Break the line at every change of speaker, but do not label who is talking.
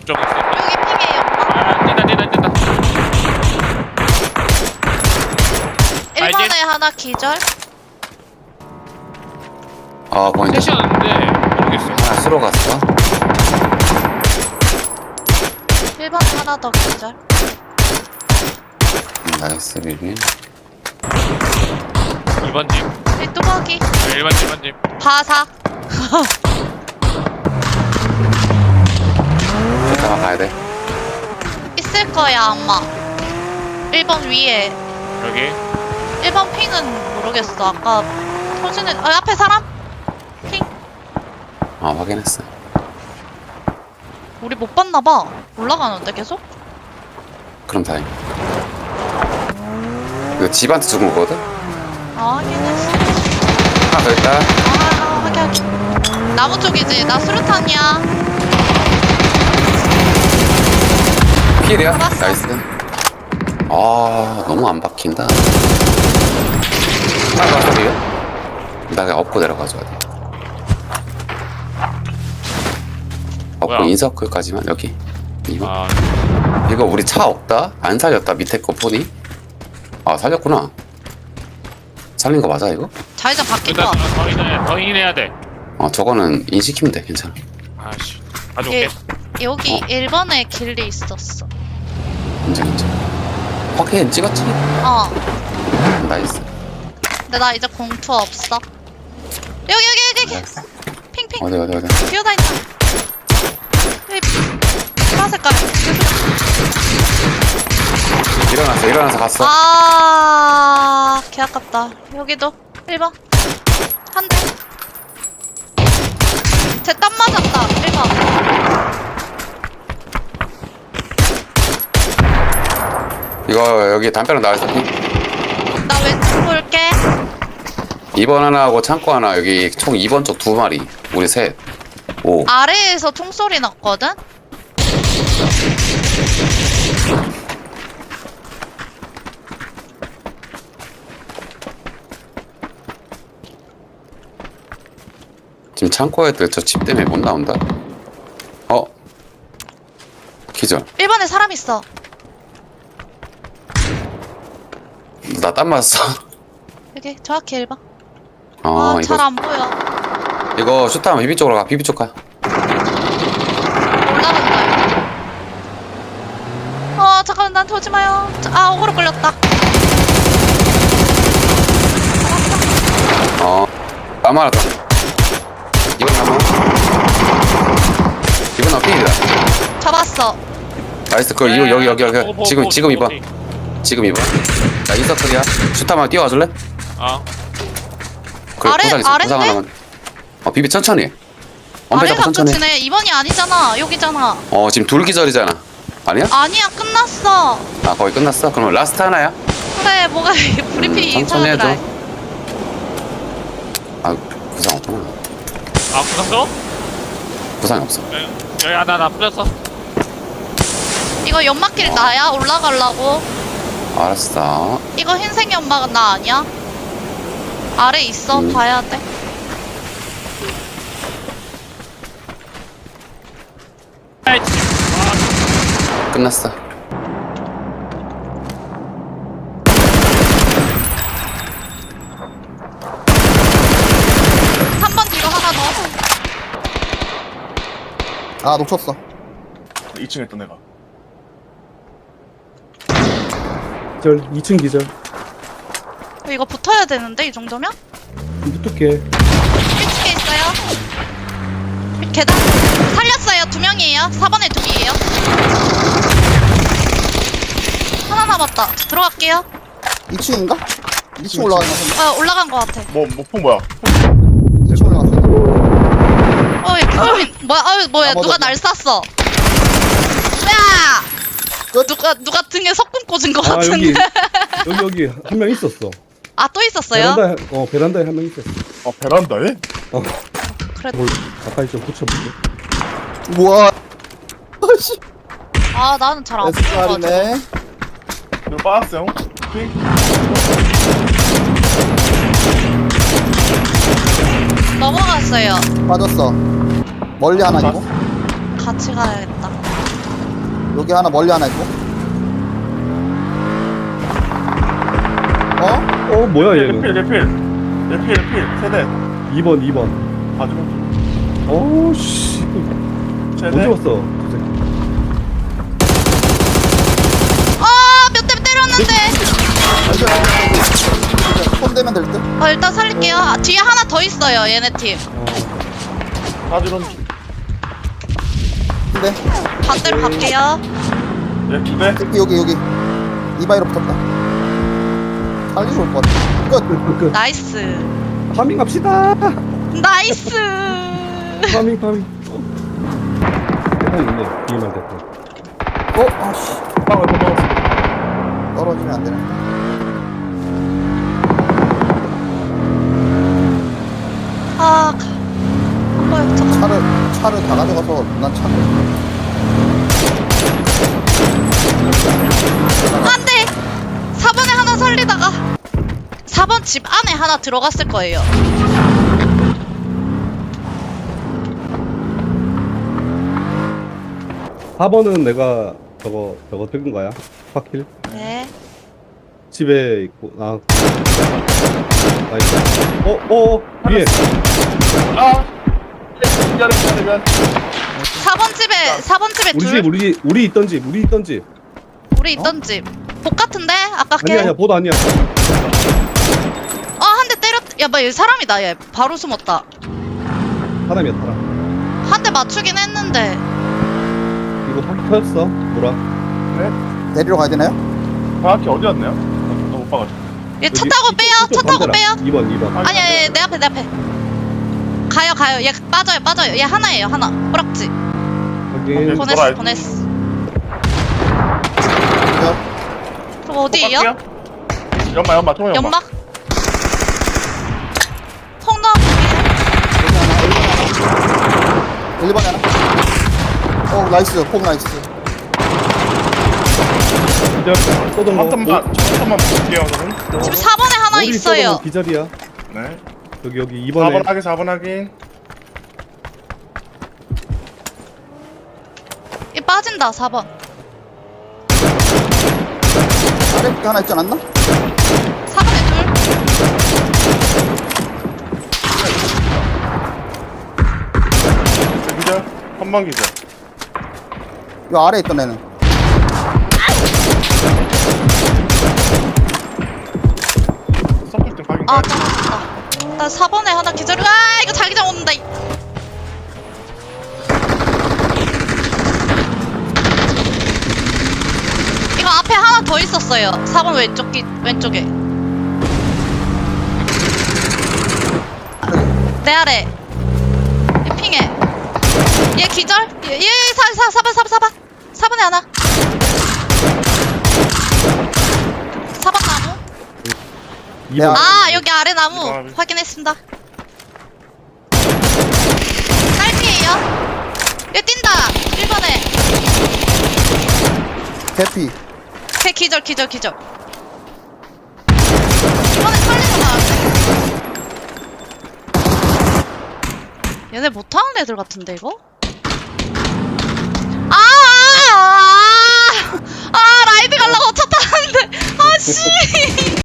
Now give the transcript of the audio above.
저거 있어.
여기 핑이에요.
뛴다.
1번에 하나 기절.
아 보인다.
셋이었는데 모르겠어.
하나 쓰러 갔어.
1번에 하나 더 기절.
나이스 비비.
2번 집.
이 뚜벅이.
1번 집.
바사.
잠깐만 가야 돼.
있을 거야 아마. 1번 위에.
여기.
1번 핑은 모르겠어. 아까 터지는 앞에 사람? 핑.
아 확인했어.
우리 못 봤나봐. 올라가는데 계속?
그럼 다행. 이거 집한테 죽은 거거든?
아 확인했어.
하나 더 있다.
아 확인. 나무 쪽이지. 나 수류탄이야.
필이야?
잡았어.
나이스. 아 너무 안 박힌다. 하나 더 왔어 이거? 나 그냥 업고 내려가줘야 돼. 업고
뭐야?
인서클까지만 여기. 이거.
아,
이거 우리 차 없다? 안 살렸다 밑에 거 보니? 아 살렸구나. 살린 거 맞아 이거?
자회전 바뀐 거
일단
같아.
더 인해야 돼.
저거는 인식키면 돼 괜찮아.
아씨. 가져올게.
여기
어.
1번에 길리 있었어.
괜찮아. 확인 찍었지?
어.
나이스.
근데 나 이제 공투 없어. 여기.
나이스.
핑핑.
어디.
뛰어다닌다. 여기 파란 색깔.
일어나서 갔어.
아, 개 아깝다. 여기도 1번. 한 대. 쟤 땀 맞았다. 1번.
이거 여기 담벼락 나와있어.
나 왼쪽 볼게.
2번 하나 하고 창고 하나 여기 총 2번 쪽 2마리. 우리 셋. 오.
아래에서 총소리 났거든?
지금 창고 애들 저 집 때문에 못 나온다. 기절.
1번에 사람 있어.
나 땀 맞았어.
여기 정확히 1번. 아, 잘
이거
안 보여.
이거 슈타면 비비 쪽으로 가. 비비 쪽 가.
올라간다. 잠깐만, 나한테 오지 마요. 억울로 끌렸다.
땀 맞았다. 이번 한번. 이번 한 필이다.
잡았어.
나이스. 그 이거 여기. 지금 2번. 지금 2번. 나 인서클이야. 슈타만 뛰어와 줄래?
아,
그래,
아래-
부상
아래인데?
하나만. 비비 천천히. 엄배 잡고
아래가
천천히.
끝이네. 2번이 아니잖아. 여기잖아.
지금 둘 기절이잖아. 아니야?
아니야, 끝났어.
거의 끝났어? 그러면 라스트 하나야?
그래, 뭐가 브리핑
천천히
이상하더라.
해줘. 부상 없구나.
부상도?
부상이 없어.
여기 하나 나 뿌렸어.
이거 연막길 나야? 올라가려고.
알았어.
이거 흰색 연막은 나 아니야? 아래 있어. 봐야 돼.
끝났어.
한 번 뒤로 하나 더.
아 놓쳤어.
2층에 있던 애가.
기절 2층 기절
이거 붙어야 되는데, 이 정도면?
붙을게.
1층에 있어요. 계단. 살렸어요. 2명이에요. 4번에 2개예요. 하나 남았다. 들어갈게요.
2층인가? 2층 올라가는 거 같은데.
올라간 것 같아.
목표 뭐야?
2층 올라갔어.
얘 규범이 뭐야? 누가 날 쐈어? 야!
끝.
누가 등에 석궁 꽂은 것
아
같은데.
여기 한 명 있었어.
또 있었어요?
베란다에 한 명 있었어.
베란다에?
그래.
뭘 가까이 좀 붙여볼게.
우와. 아씨.
나는 잘 안 보여.
SR이네.
이거 빠졌어요. 핑.
넘어갔어요.
빠졌어. 멀리 하나 있고.
같이 가야겠다.
여기 하나 멀리 하나 있고. 어?
뭐야
레필
얘는?
레필 세대
2번.
봐주면
어우씨.
세대
언제 왔어? 저 새끼.
몇 대 때렸는데.
손 대면 될 듯?
일단 살릴게요. 뒤에 하나 더 있어요, 얘네 팀.
봐주면
근데
반대로 갈게요.
두대
여기 이바이로 붙었다. 살리러 올 것 같아. 끝.
끝.
나이스.
파밍 합시다.
나이스.
파밍. 대판 있네. 비만 대판.
아씨.
빵을 먹었어.
떨어지면 안 되네.
잠깐.
차를 다 가져가서 난 차를.
안 돼! 4번에 하나 살리다가 4번 집 안에 하나 들어갔을 거예요.
사 4번은 내가 저거 들은 거야. 파킬.
네.
집에 있고. 나이스. 위에.
아 미안해
4번 집에 둘.
우리 있던 집.
우리 있던 집. 복 같은데? 아까 걔.
아니야, 보도 아니야.
한 대 때렸. 야, 얘 사람이다. 얘 바로 숨었다.
사람이야.
한 대 맞추긴 했는데.
이거 확 터졌어. 뭐라?
데리러 가야 되나요?
정확히 어디였나요? 나못 봐가지고
얘 차 타고 빼요. 차 타고 빼요.
2번.
아니야, 얘 내 앞에. 가요. 얘 빠져요. 얘 하나예요, 하나. 뿌락지.
확인.
돌아야
보냈어.
야,
그럼 어디에요?
연마 통화
연막? 통로.
1번에 하나. 나이스. 폭 나이스.
쏘던 거.
한 턴만 볼게요 저는.
지금 4번에 하나
머리
있어요.
쏘던 거 기절이야.
네
여기 2번에.
4번 확인
얘 빠진다, 4번.
아래 게 하나 있지 않았나?
4번에
기절 한번 기절
요 아래 있던 애는.
섞을 때 확인
떨어졌다. 나 4번에 하나 기절. 이거 자기장 온다. 이거 앞에 하나 더 있었어요. 4번 왼쪽에. 내 아래. 얘 핑해. 얘 기절? 얘 4번에 하나. 4번 나무.
2번.
여기 아래 나무 확인했습니다. 딸피에요. 얘 뛴다. 1번에.
대피.
걔 기절. 이번에 살리러 나왔네. 얘네 못하는 애들 같은데 이거? 라이드 가려고 차 타는데 씨.